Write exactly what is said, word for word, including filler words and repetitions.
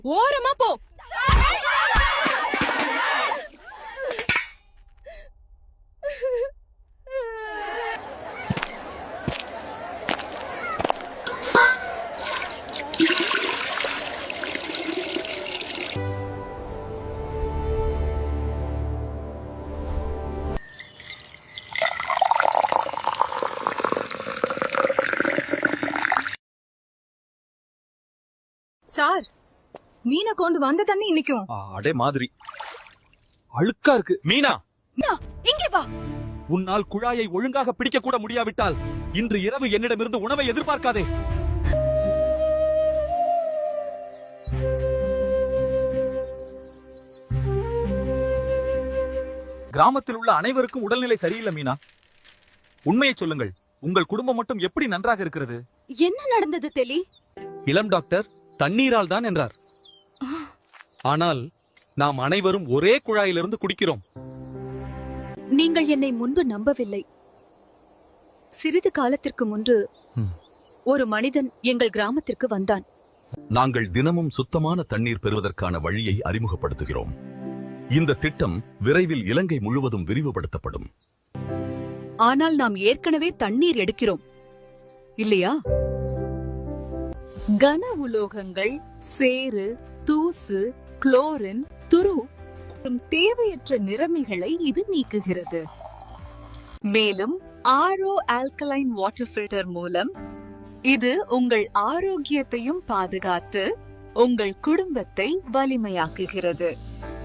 ஓரமா போ. சார், மீனை கொண்டு வந்த தண்ணி இன்னைக்கும் அடே மாதிரி அழுக்கா இருக்கு. மீனா, இங்கே வா. உன்னால் குழாயை ஒழுங்காக பிடிக்க கூட முடியாவிட்டால் இன்று இரவு என்னிடமிருந்து உணவை எதிர்பார்க்காதே. கிராமத்தில் உள்ள அனைவருக்கும் உடல்நிலை சரியில்லை மீனா. உண்மையை சொல்லுங்கள், உங்கள் குடும்பம் மட்டும் எப்படி நன்றாக இருக்கிறது? என்ன நடந்தது தெளி? இளம் டாக்டர் தண்ணீரால் தான் என்றார். ஆனால் நாம் அனைவரும் ஒரே குழாயிலிருந்து குடிக்கிறோம். நீங்கள் என்னை முன்பு நம்பவில்லை. சிறிது காலத்திற்கு முன்பு ஒரு மனிதன் எங்கள் கிராமத்திற்கு வந்தான். நாங்கள் தினமும் சுத்தமான தண்ணீர் பெறுவதற்கான வழியை அறிமுகப்படுத்துகிறோம். இந்த திட்டம் விரைவில் இலங்கை முழுவதும் விரிவுபடுத்தப்படும். ஆனால் நாம் ஏற்கனவே தண்ணீர் எடுக்கிறோம் இல்லையா? கன உலோகங்கள், சேறு, தூசு, குளோரின், துரு மற்றும் தேவையற்ற நிறமிகளை இது நீக்குகிறது. மேலும் ஆர்ஓ ஆல்கலைன் வாட்டர் ஃபில்டர் மூலம் இது உங்கள் ஆரோக்கியத்தையும் பாதுகாத்து உங்கள் குடும்பத்தை வலிமையாக்குகிறது.